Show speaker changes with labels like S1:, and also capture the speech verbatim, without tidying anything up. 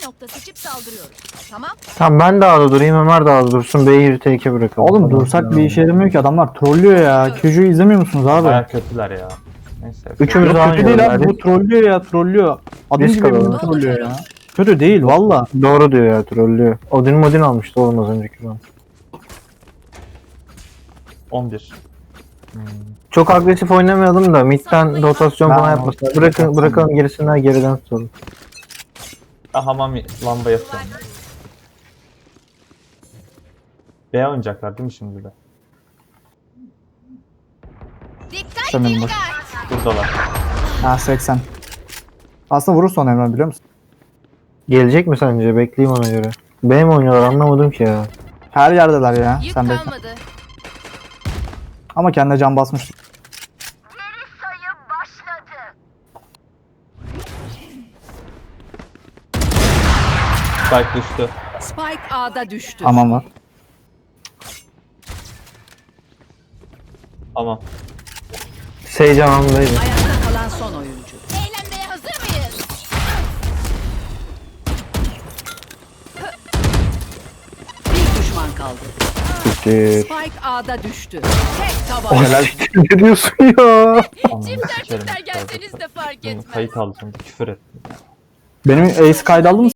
S1: nokta seçip saldırıyoruz. Tamam.
S2: Tamam ben de A'da durayım, Ömer de A'da dursun. B'yi bir teke bırakalım.
S3: Oğlum dursak bir işe yaramıyor ki, adamlar trollüyor ya. Q'yu izlemiyor musunuz abi?
S4: Baya kötüler ya. Neyse.
S2: Üçümüz
S3: Yok,
S2: de
S3: kötü değil
S2: aynı
S3: abi, bu trollüyor ya, trollüyor. Adım
S2: Risk
S3: gibi
S2: alalım.
S3: bunu trollüyor ya. Kötü değil valla.
S2: Doğru diyor ya, trollüyor. Odin modin almıştı oğlum az önceki zaman.
S4: on bir. Hmm.
S2: Çok agresif oynamayalım da midden rotasyon
S3: Ben
S2: falan yapmasın. Bırakın, bırakalım gerisinden geriden tutalım.
S4: Ah, hamam lamba yapıyorum. B oynayacaklar değil mi şimdi de?
S1: Dikkat
S3: Sanırım boş.
S1: dikkat.
S4: Buradalar.
S3: Ha seksen. Aslında vurursa onu Emre, biliyor musun?
S2: Gelecek mi sence? Bekleyeyim ona göre. B mi oynuyorlar anlamadım ki ya.
S3: Her yerdeler ya.
S1: Yük
S3: Sen bekle.
S1: kalmadı.
S3: Ama kendine can basmış.
S4: Spike düştü.
S1: Spike A'da düştü.
S3: Aman var.
S4: Tamam.
S2: Sage anlamındaydı.
S1: Ayakta kalan son oyuncu. Eğlenmeye hazır mıyız? Bir düşman kaldı.
S2: Siktir.
S1: Spike A'da düştü. Tek tabanca.
S3: Helal.
S2: Ne diyorsun ya?
S4: Anladım.
S1: Çiftler
S4: Sikerim
S1: çiftler
S4: içeride.
S1: gelseniz de fark etmez.
S4: Kayıt aldım. Küfür ettim.
S3: Benim ace kaydı aldın mı?